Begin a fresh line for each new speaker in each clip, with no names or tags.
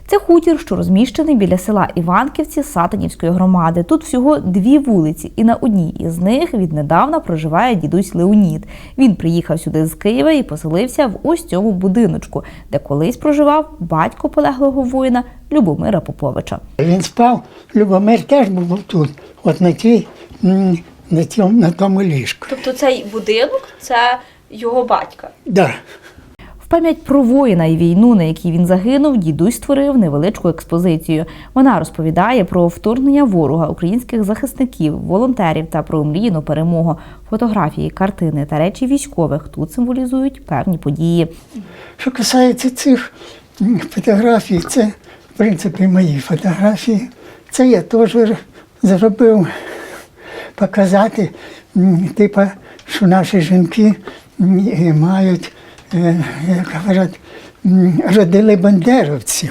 Це хутір, що розміщений біля села Іванківці Сатанівської громади. Тут всього 2 вулиці, і на одній із них віднедавна проживає дідусь Леонід. Він приїхав сюди з Києва і поселився в ось цьому будиночку, де колись проживав батько полеглого воїна Любомира Поповича.
Він спав, Любомир теж був тут, от на тому ліжку.
Тобто цей будинок – це його батька?
Да.
В пам'ять про воїна і війну, на якій він загинув, дідусь створив невеличку експозицію. Вона розповідає про вторгнення ворога, українських захисників, волонтерів та про омріяну перемогу. Фотографії, картини та речі військових тут символізують певні події.
Що касається цих фотографій, це, в принципі, мої фотографії. Це я теж зробив показати, що наші жінки мають, як говорять, родили бандеровців,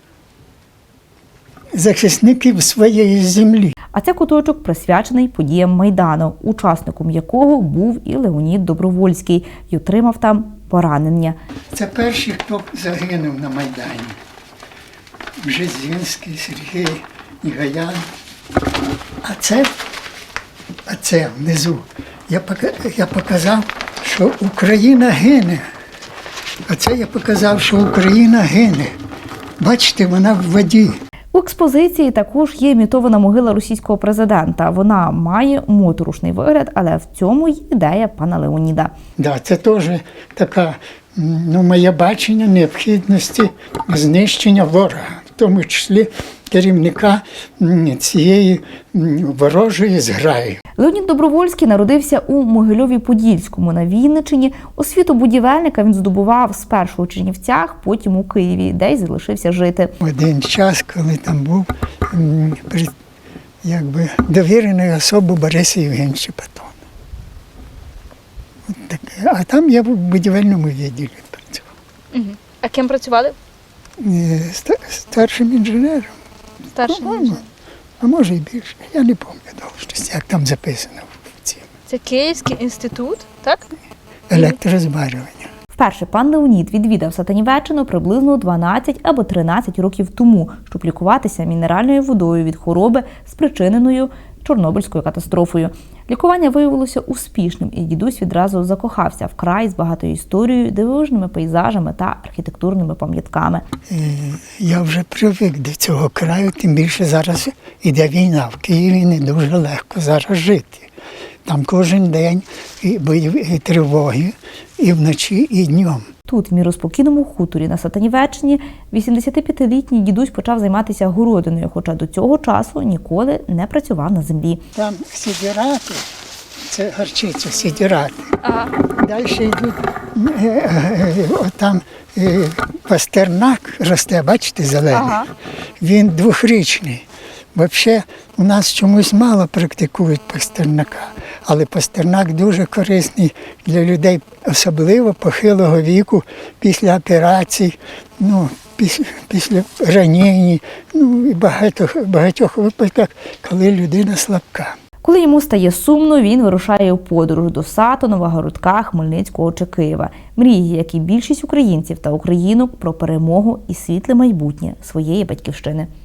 захисників своєї землі.
А це куточок присвячений подіям Майдану, учасником якого був і Леонід Добровольський, і отримав там поранення.
Це перші, хто загинув на Майдані. Бжезінський, Сергій, Нігаян. А це внизу. Я показав, що Україна гине. А це я показав, що Україна гине. Бачите, вона в воді.
У експозиції також є імітована могила російського президента. Вона має моторошний вигляд, але в цьому й ідея пана Леоніда.
Да, це теж така, моє бачення необхідності знищення ворога, в тому числі керівника цієї ворожої зграї.
Леонід Добровольський народився у Могильові-Подільському на Вінниччині. Освіту будівельника він здобував спершу у Чернівцях, потім у Києві, де й залишився жити.
Один час, коли там був довіреною особою Бориса Євгеновича Патона. А там я в будівельному відділі працював.
Угу. А ким працювали?
Старшим інженером.
Старшим інженером.
А може і більше. Я не пам'ятаю, як там записано в цій.
Це Київський інститут, так?
Електрозварювання.
Вперше пан Леонід відвідав Сатанівеччину приблизно 12 або 13 років тому, щоб лікуватися мінеральною водою від хвороби, спричиненою Чорнобильською катастрофою. Лікування виявилося успішним, і дідусь відразу закохався в край з багатою історією, дивовижними пейзажами та архітектурними пам'ятками.
Я вже привик до цього краю, тим більше зараз іде війна. В Києві не дуже легко зараз жити. Там кожен день і бойові тривоги, і вночі, і днем.
Тут, в міроспокійному хуторі на Сатанівеччині, 85-літній дідусь почав займатися городиною, хоча до цього часу ніколи не працював на землі.
Там сідірати, це горчиця, сідірати.
Ага.
Далі йдуть, там пастернак росте, бачите, зелений.
Ага.
Він 2-річний. Взагалі, у нас чомусь мало практикують пастернака, але пастернак дуже корисний для людей, особливо похилого віку, після операцій, після ранень, і багатьох випадках, коли людина слабка.
Коли йому стає сумно, він вирушає у подорож до Сатанова, Городка, Хмельницького чи Києва. Мріє, як і більшість українців та українок, про перемогу і світле майбутнє своєї батьківщини.